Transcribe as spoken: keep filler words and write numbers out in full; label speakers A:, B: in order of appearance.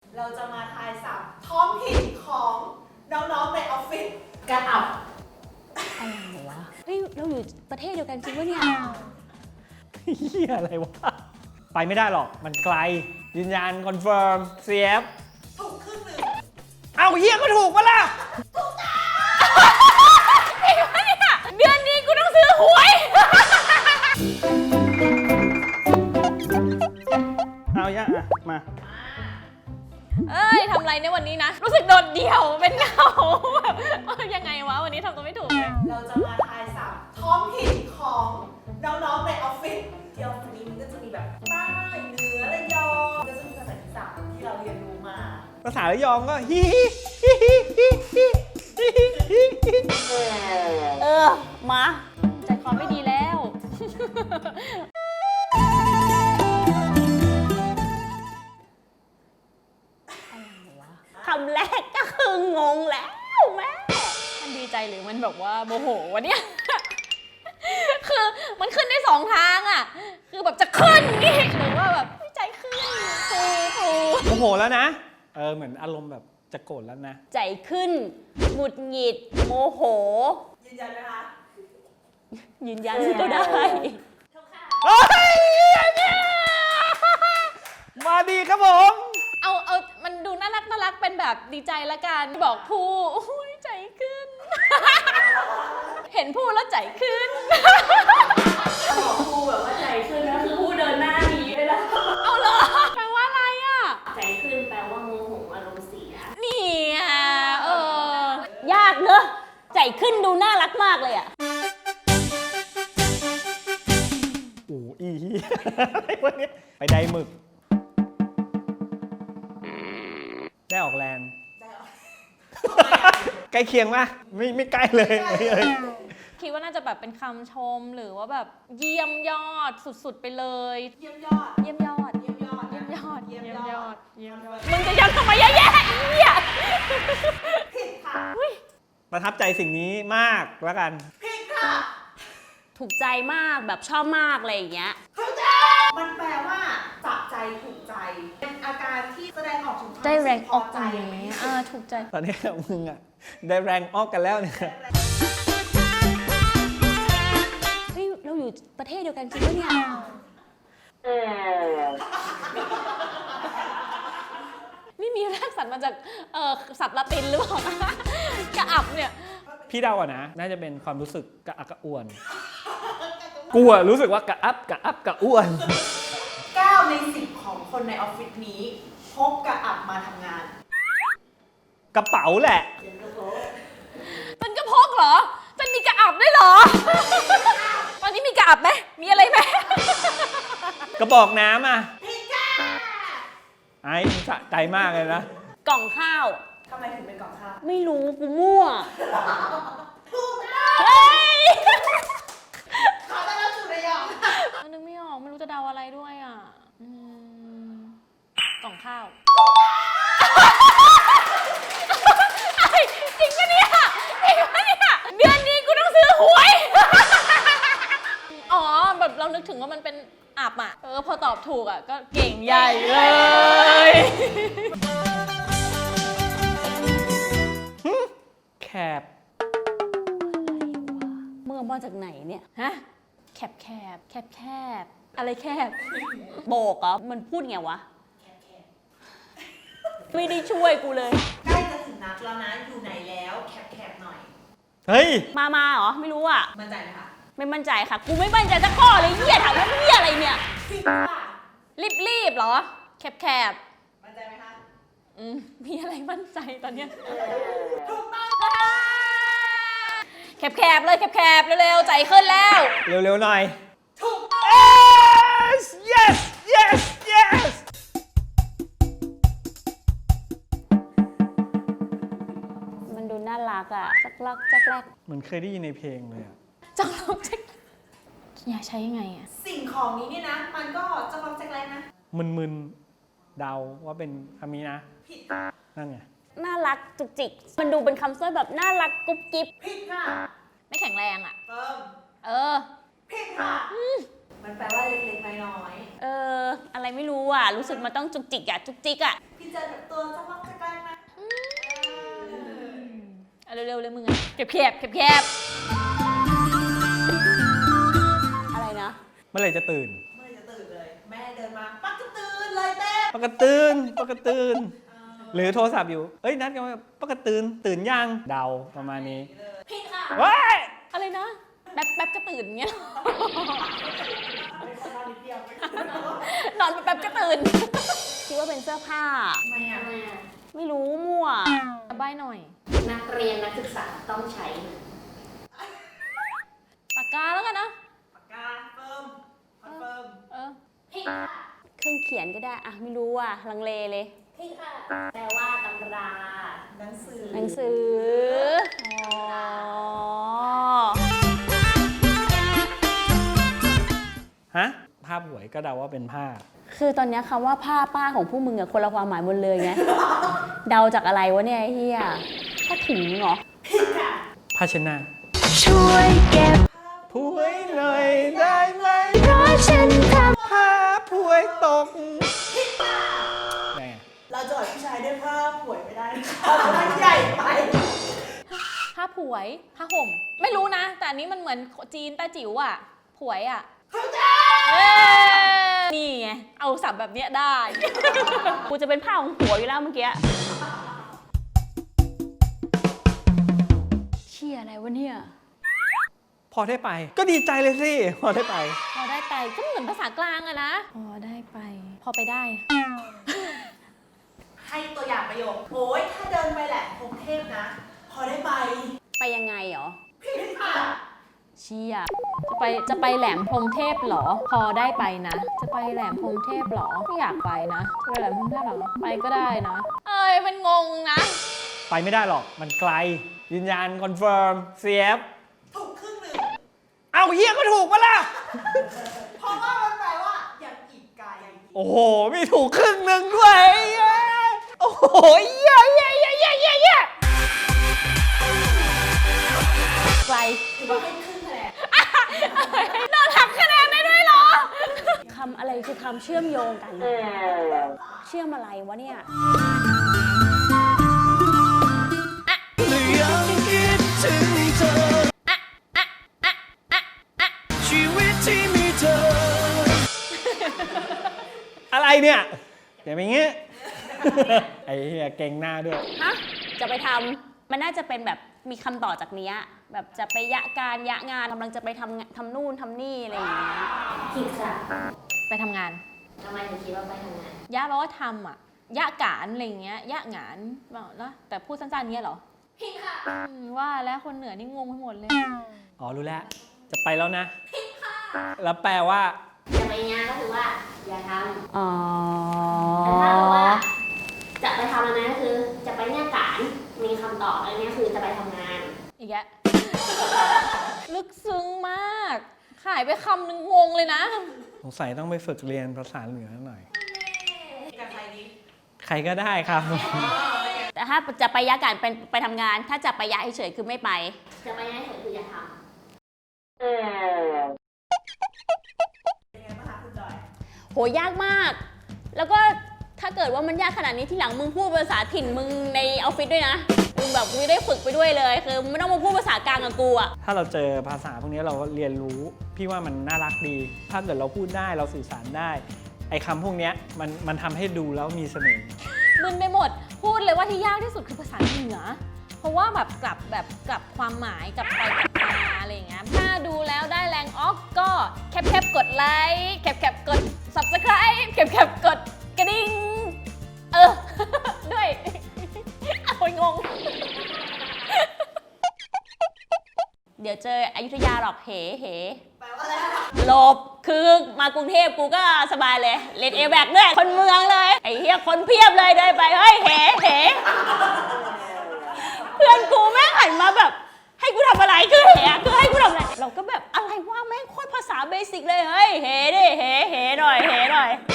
A: เราจะมาทายศัพท์ท้องถิ่นของน้องๆในออฟฟิศกระอับ
B: อะไรวะเฮ้ยเราอยู่ประเทศเดียวกันจริงวะเนี่ย
C: เฮียอะไรวะไปไม่ได้หรอกมันไกลยืนยันคอนเฟิร์มเสียบ
A: ถูกครึ่งหนึ่ง
C: เอาเฮียก็ถูกปะล่ะ
B: ถูกจ้าเฮ้ยเนี่ยเดือนนี้กูต้องซื้อหวย
C: เอาย่าอ่ะมา
B: เอ้ยทำไรในวันนี้นะรู้สึกโดดเดี่ยวเป็นเงาแบบยังไงวะวันนี้ทำตัวไม่ถูกเลย
A: เราจะมาทายศัพท์ท้องถิ่นของน้องๆในออฟฟิศที่ออฟฟิศนี้มันก็จะมีแบบใต้เหนือระยองก็จะมีภาษาอีสานที่เราเรียนรู้มา
C: ภาษาระยองก็ฮิฮิฮิฮิฮิฮิฮิฮิ
B: เออมาใจคอไม่ดีแล้วคำแรกก็คืองงแล้วแม่มันดีใจหรือมันแบบว่าโมโหวะเนี่ยคือมันขึ้นได้สองทางอ่ะคือแบบจะขึ้นนี่หรือว่าแบบใจขึ้นฟูฟู
C: โมโหแล้วนะเออเหมือนอารมณ์แบบจะโกรธแล้วนะ
B: ใจขึ้นหงุดหงิดโมโห
A: ยืนยันไหมคะ
B: ยืนยันก็ได้
C: เฮ้ยมาดีครับผม
B: เอาเอามันดูน่ารักน่ารักเป็นแบบดีใจละกันบอกผู้อุ้ยใจขึ้นเห็นผู้แล้วใจขึ้น
A: บอกผู้แบบว่าใจขึ้นก็คือผู้เดินหน้าหนีไปแล้ว
B: เอาเหรอแปลว่าอะไรอ่ะ
A: ใจขึ้นแปลว่าโมโหอารมณ์เสีย
B: นี่อ่ะเออยากเนอะใจขึ้นดูน่ารักมากเลยอ่ะ
C: โอ้อีอะไรวะเนี่ยไปไดหมึกได้ออกแรงใกล้เคียงป่ะไม่ไม่ใกล้เลย
B: คิดว่าน่าจะแบบเป็นคำชมหรือว่าแบบเยี่ยมยอดสุดๆไปเลย
A: เยี่ยมยอด
B: เยี่ยมยอด
A: เยี่ยมยอด
B: เยี่ยมยอด
A: เยี่ยมยอด
B: เยี่ยมยอดมึงจะยันทำไมแย่ๆเนี่ย
A: ผิดค่ะ
C: ประทับใจสิ่งนี้มากแล้วกัน
A: ผิดค่ะ
B: ถูกใจมากแบบชอบมากอะไรอย่างเงี้ย
A: ถูกใจมันแปลว่าจับใจถูกใจเป็นอาการที่แสดงออกถึงความ
B: ได้แรงออก
A: ใจ
B: ไหมอ่าถูกใจ
C: ตอนนี้มึงอ่ะได้แรงออกกันแล้วเนี่ย
B: เฮ้ยเราอยู่ประเทศเดียวกันจริงปะเนี่ยนี่มีรากศัพท์มาจากเอ่อศัพท์ละตินหรือเปล่ากระอับเนี่ย
C: พี่เดาอ่ะนะน่าจะเป็นความรู้สึกกระอักกระอ่วนกูอะรู้สึกว่ากระอับกระอับกระอ่วน
A: เก้าในสิบของคนในออฟฟิศนี้พกกระอับมาทำงาน
C: กระเป๋าแหละ
B: มันก็พกเหรอจะมีกระอับด้วยเหรอตอนนี้มีกระอับไหมมีอะไรไหม
C: กระบอกน้ำอ่ะไอ้สะใจมากเลยนะ
B: กล่องข้าว
A: ทำไมถึงเป็นกล่องข้าว
B: ไม่รู้กูมั่ว
A: ถูกแล้ว
B: เฮ้ย
A: ขอต้อนรับสู่ระยอง
B: นึกไม่ออกไม่รู้จะเดาอะไรด้วยอ่ะกล่องข้าวจริงปะเนี่ยจริงปะเนี่ยเดือนนี้กูต้องซื้อหวยอ๋อแบบเรานึกถึงว่ามันเป็นอับอ่ะเออพอตอบถูกอ่ะก็เก่งใหญ่เลย
C: แคบ
B: เมื่อมาจากไหนเนี่ยฮะแคบแคบแคบแคบอะไรแคบโบกเหรอมันพูดไงวะไม่ได้ช่วยกูเลย
A: ใกล้จะถึงนัดแล้วนะอยู่ไหนแล้วแคบๆหน่อย
C: เฮ้ย
B: มามาเหรอไม่รู้อ่ะ
A: มั่นใจไหมคะ
B: ไม่มั่นใจค่ะกูไม่มั่นใจสักข้อเลยเหี้ยถามว่าเหี้ยอะไรเนี่ยรีบรีบเหรอแคบแคบ
A: มั่นใจไหมคะ
B: อืมมีอะไรมั่นใจตอนเนี้ย
A: ถูกต้อง
B: แคบแคบเลยแคบแคบเร็วๆใจขึ้นแล้ว
C: เร็วๆหน่อย
A: ถูกต้อง
C: yes yes yes yes
B: มันดูน่ารักอ่ะจักรักจักรัก
C: เหมือนเคยได้ยินในเพลงเลยอ่ะ
B: จักรักจักอยากใช้ยังไงอ่ะ
A: สิ่งของนี้เนี่ยนะมันก็จักรักจักแรกนะ
C: มึนๆเดาว่าเป็นคำนี้นะ
A: ผิด
C: นั่นไง
B: น่ารักจุกจิกมันดูเป็นคำสร้อยแบบน่ารักกุ๊บกิ๊บ
A: ผิดค่ะ
B: ไม่แข็งแรงอ่ะ
A: เติม
B: เออ
A: ผิดค่ะมันแปลว่าเล็กๆน้อย
B: ๆเอออะไรไม่รู้อ่ะรู้สึกมันต้องจุกจิกอ่ะจุกจิกอ่ะ
A: พี่เจอแบบตัว
B: บแคบแคบแคบอะไรนะ
C: เมื่อไหร่จะตื่น
A: เมื่อไหร่จะตื่นเลย แม่เดินมาปักจะตื่นเลยแม่
C: ปกติตื่นปกติตื่น หรือโทรศัพท์อยู่ เอ้ยนัดกันว่าปกติตื่นตื่นยังเดาประมาณนี้
B: ผิดค่ะ
C: ว้าย
B: อะไรนะแป๊บแป๊บก็ตื่นเงี้ย นอนแป๊บก็ตื่น คิดว่าเป็นเสื้อผ้า
A: ทำไมอ่ะ
B: ไม่รู้มั่วใบหน่อย
D: นักเรียนนักศึกษาต้องใช้
B: ปากกาแล้วกันนะ
A: ปากกาเฟิร์มคอนเฟิร์ม
B: เออ
D: ผิดค่ะ
B: เครื่องเขียนก็ได้อะไม่รู้อ่ะลังเลเลย
D: ผิดค่ะ แปลว่าตำรา
A: หนังสือ
B: หนังสือ อ๋อ
C: ฮะภาพหวยก็เดาว่าเป็นผ้า
B: คือตอนเนี้ยคำว่าผ้าป้าของผู้มึงอะคนละความหมายหมดเลยไง เดาจากอะไรวะเนี่ยไอ้เฮียผ้าถุงเหรอ
A: ผิดค่ะ
C: ผ้าเช็ดหน้า
B: ช่วยเก็บ
C: ผวยหน่อยได้ไหม
B: เพราะฉันท
C: ผ้าผวยตกไง
A: เราจะอดผู้ชายด้วยผ้าป่วยไม่ได้นะคะมันใหญ่ไป
B: ำผ้าผวย ผ้าห่ม ไม่รู้นะ แต่อันนี้มันเหมือนจีนต้าจิ๋วอะผวยอะเอ้ยนี่ไง เอาสับแบบเนี้ยได้ กูจะเป็นผ้าของผัวอยู่แล้วเมื่อกี้ เชี่ยอะไรวะเนี่ย
C: พอได้ไป ก็ดีใจเลยสิ พอได้ไป
B: พอได้ไปก็เหมือนภาษากลางอะนะ พอได้ไป พอไปได้
A: ให้ตัวอย่างประโยค โอ้ยถ้าเดินไปแหละกรุงเทพนะ พอได้ไป
B: ไปยังไงเหรอ
A: ผิดค่ะ
B: เชี่ยจะไปจะไปแหลมพรหมเทพเหรอ พอได้ไปนะ จะไปแหลมพรหมเทพเหรอ ไม่อยากไปนะจะไปแหลมพรหมเทพเหรอ ไปก็ได้นะ เอ้ยมันงงนะ
C: ไปไม่ได้หรอก มันไกล ยืนยันคอนเฟิร์มเสียบ
A: ถูกครึ่งหนึ่ง
C: เอาเฮียก็ถูกปะล่ะ
A: เพราะว่ามันแปลว่ายังอีกไกล
C: โอ้โห มีถูกครึ่งหนึ่งด้วยโอ้โหเย้เย้เย้เย้เย้เย้
B: ไกล
A: ถือว่าให้ครึ่งคะแนน
B: โดนหักคะแนนได้ด้วยเหรอ คำอะไรคือคำเชื่อมโยงกันนะเชื่อมอะไรวะเนี่ย
E: ยังคิดถึงเธอชีวิตที่มีเธอ
C: อะไรเนี่ยอย่าไปงี้ ไอ้เฮียเก่งหน้าด้วย
B: ฮะ จะไปทำมันน่าจะเป็นแบบมีคำต่อจากเนี้ยแบบจะไปยะการยะงานกำลังจะไปทำทำนู่นทำนี่อะไรอย่างเงี้ย
D: ผิดค่ะ
B: ไปทำงาน
D: ทำไมถึงคิดว่าไปทำงาน
B: ยะแปลว่าทำอ่ะ ยะการอะไรอย่างเงี้ย ยะงานแบบแล้วแต่พูดสั้นๆเงี้ยเหรอ
D: ผิดค่ะ
B: อืมว่าแล้วคนเหนือนี่งงไปหมดเลย
C: อ๋อ รู้แล้ว จะไปแล้วนะ แล้วแปลว่า
D: จะไปงานก็คือว่า อย่าท
B: อ๋อ
D: ำแต่ถ้าบอกว่า จะไปทำอะไรก็คือ จะไปเนี่ยการมีคำตอบอะไรเนี่ยคือจะไปทำงาน
B: อีกแยะ ลึกซึ้งมาก ขายไปคำหนึ่งงงเลยนะ
C: สงสัยต้องไปฝึกเรียนภาษาเหนือหน่อย
A: กับใครดี
C: ใครก็ได้ครับ
B: แต่ถ้าจะไปยะการเป็นไปทำงาน ถ้าจะไปยะเฉยๆคือไม่ไป
D: จะไปเนี่ยคืออย่าท
A: เป็นไงบ้างคะคุณจอย
B: โหยากมาก แล้วก็ถ้าเกิดว่ามันยากขนาดนี้ที่หลังมึงพูดภาษาถิ่นมึงในออฟฟิศด้วยนะ มึงแบบกูได้ฝึกไปด้วยเลย คือไม่ต้องมาพูดภาษากลางกับกูอะ
C: ถ้าเราเจอภาษาพวกนี้เราเรียนรู้ พี่ว่ามันน่ารักดี ถ้าเกิดเราพูดได้เราสื่อสารได้ ไอ้คำพวกเนี้ยมันมันทำให้ดูแล้วมีเสน่ห์
B: มึนไปหมด พูดเลยว่าที่ยากที่สุดคือภาษาเหนือ เพราะว่าแบบกลับแบบกลับความหมายกลับไปกลับมาอะไรอย่างเงี้ย ถ้าดูแล้วได้แรงออกก็แคปแคปกดไลค์แคปแคปกด subscribe แคปแคปกดกระดิ่ง เออ ด้วย เอาไปงง เดี๋ยวเจออยุธยาหรอกเหเห
A: แปลว่าอะไรคะ
B: หลบ คือมากรุงเทพกูก็สบายเลย เล่นเอแบกด้วย คนเมืองเลย ไอ้เหี้ยคนเพียบเลยเดินไป เฮ้ย เหเหเพื่อนกูแม่งหันมาแบบ ให้กูทำอะไรคือเหอะคือให้กูทำอะไร เราก็แบบอะไรวะแม่งโคตรภาษาเบสิกเลย เฮ้ย เหดิ เหเหหน่อย เหหน่อย